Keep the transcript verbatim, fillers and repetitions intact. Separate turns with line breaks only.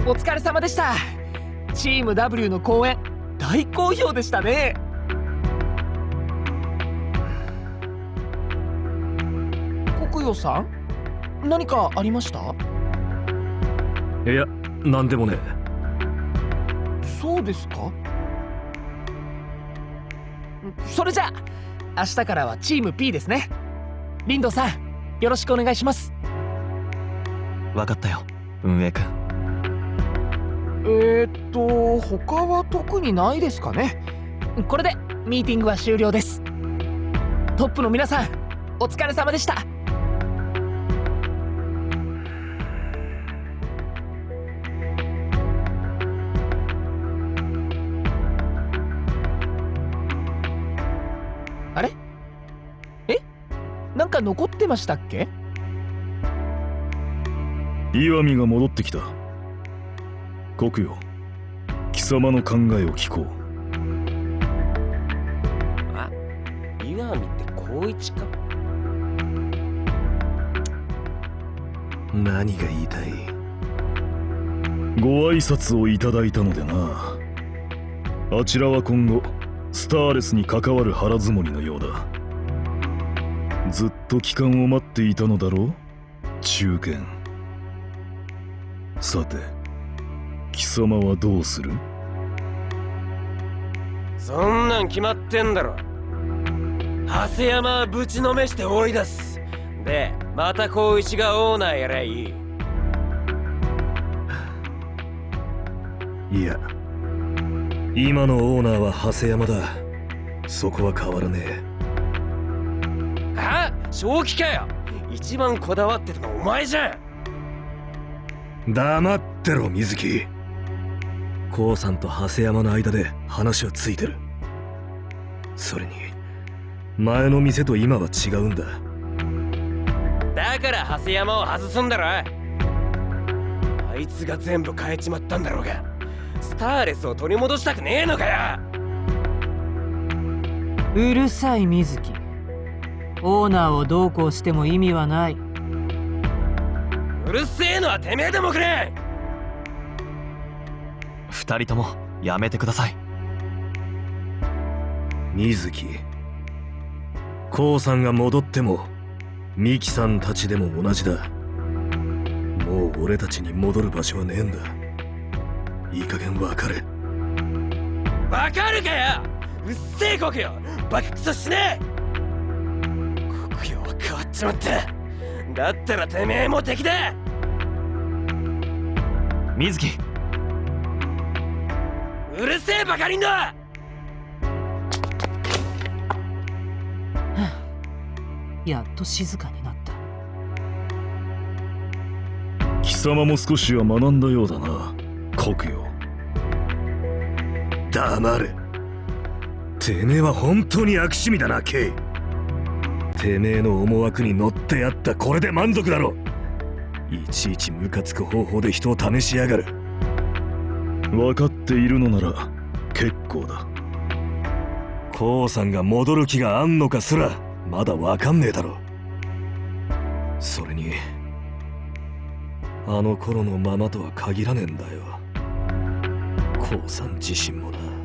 お疲れ様でした。チーム ダブリュー の公演大好評でしたね。国陽さん、何かありました？
いや、なんでもね。
そうですか。それじゃあ明日からはチーム P ですね。リンドウさん、よろしくお願いします。
分かったよ、運営くん。
えーっと他は特にないですかね。これでミーティングは終了です。トップの皆さん、お疲れ様でした。あれ？え？なんか残ってましたっけ？
岩見が戻ってきた。国よ、貴様の考えを聞こう。
あ、岩見って光一か。
何が言いたい？
ご挨拶をいただいたのでな。あちらは今後スターレスに関わる腹積もりのようだ。ずっと帰還を待っていたのだろう、中堅。さて、貴様はどうする？
そんなん決まってんだろ。長谷山はぶちのめして追い出す。で、また光一がオーナーやりゃいい。
いや、今のオーナーは長谷山だ。そこは変わらねえ。
あ、正気かよ。一番こだわってたのお前じゃん。
黙ってろ、水木。コウさんと長谷山の間で話はついてる。それに前の店と今は違うんだ。
だから長谷山を外すんだろ。あいつが全部変えちまったんだろうが、スターレスを取り戻したくねえのかよ。
うるさい水木。オーナーをどうこうしても意味はない。
うるせえのはてめえでもくれ。
二人ともやめてください。水木、コウさんが戻ってもミキさんたちでも同じだ。もう俺たちに戻る場所はねえんだ。いい加減分かれ。
わかるかよ。うっせえ国よ、バカクソしねえ。国よは変わっちまった。だったらてめえも敵だ。
水木、
うるせえバカリンド。
やっと静かになった。
貴様も少しは学んだようだな、国よ。
黙れ。てめえは本当に悪趣味だな、ケイ。てめえの思惑に乗ってやったこれで満足だろ。いちいちムカつく方法で人を試しやがる。
分かっているのなら結構だ。
コウさんが戻る気があんのかすらまだ分かんねえだろ。それにあの頃のままとは限らねえんだよ。コウさん自身もな。